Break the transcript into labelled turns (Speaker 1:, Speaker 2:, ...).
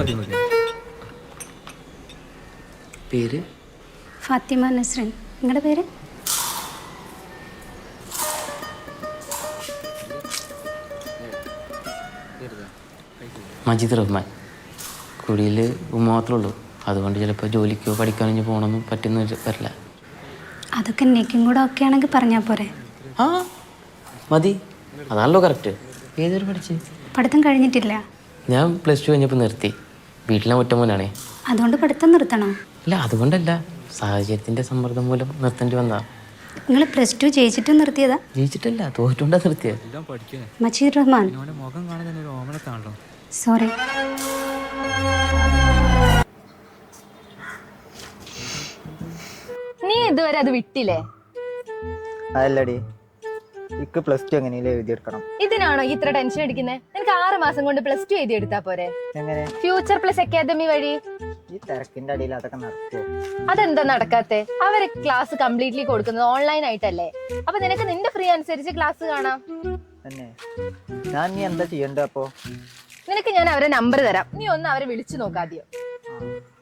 Speaker 1: പേര്
Speaker 2: ഫാത്തിമ നസ്രിൻ. നിങ്ങളുടെ പേര്?
Speaker 1: മജീദ് റഹ്മാൻ. കുടിയിൽ മാത്രമേ ഉള്ളൂ. അതുകൊണ്ട് ചിലപ്പോൾ ജോലിക്കോ പഠിക്കാനോ ഇനി പോകണമെന്നും പറ്റുന്ന വരില്ല.
Speaker 2: അതൊക്കെ നെക്കും കൂടെ ഒക്കെ ആണെങ്കിൽ പറഞ്ഞാൽ പോരെ?
Speaker 1: ആ മതി, അതാണല്ലോ കറക്റ്റ്. ഏതൊരു പഠിച്ച്?
Speaker 2: പഠിത്തം കഴിഞ്ഞിട്ടില്ല.
Speaker 1: ഞാൻ +2 കഴിഞ്ഞപ്പോൾ നിർത്തി. വീട്ടിലെ ഒറ്റ മോനാണേ.
Speaker 2: അതുകൊണ്ട് പഠിത്തം നിർത്തണോ?
Speaker 1: അല്ല, അതുകൊണ്ടല്ല, സാഹചര്യത്തിൻ്റെ സമ്മർദ്ദം മൂലം നിർത്തേണ്ടി വന്നതാ.
Speaker 2: നിങ്ങൾ +2 ജയിച്ചിട്ട് നിർത്തിയതാ?
Speaker 1: ജയിച്ചിട്ടല്ല, തോറ്റുകൊണ്ടാ നിർത്തിയത്.
Speaker 2: മജീദ് റഹ്മാൻ. സോറി.
Speaker 3: നീ ഇതുവരെ അത് വിട്ടില്ലേ?
Speaker 4: അതല്ലടി, ഇക്ക് +2 എങ്ങനെയും എഴുതിയെടുക്കണം.
Speaker 3: ഇതിനാണോ ഇത്ര ടെൻഷൻ അടിക്കുന്നത്? നിനക്ക് 6 മാസം കൊണ്ട് +2 എഴുതി എടുത്താ പോരെ?
Speaker 4: എങ്ങനെ?
Speaker 3: ഫ്യൂച്ചർ പ്ലസ് അക്കാദമി വഴി.
Speaker 4: ഈ തിരക്കിന്റെ അടിയിൽ അതൊക്കെ നടക്കുമോ?
Speaker 3: അതെന്താ നടക്കാത്തെ? അവര് ക്ലാസ് കംപ്ലീറ്റ്ലി കൊടുക്കുന്നത് ഓൺലൈൻ ആയിട്ടല്ലേ? അപ്പൊ നിനക്ക് നിന്റെ ഫ്രീ അനുസരിച്ച് ക്ലാസ് കാണാം.
Speaker 4: തന്നെ ഞാൻ നീ എന്താ ചെയ്യണ്ടേ? അപ്പോ
Speaker 3: നിനക്ക് ഞാൻ അവരെ നമ്പർ തരാം, നീ ഒന്ന് അവരെ വിളിച്ചു നോക്കാതെയോ.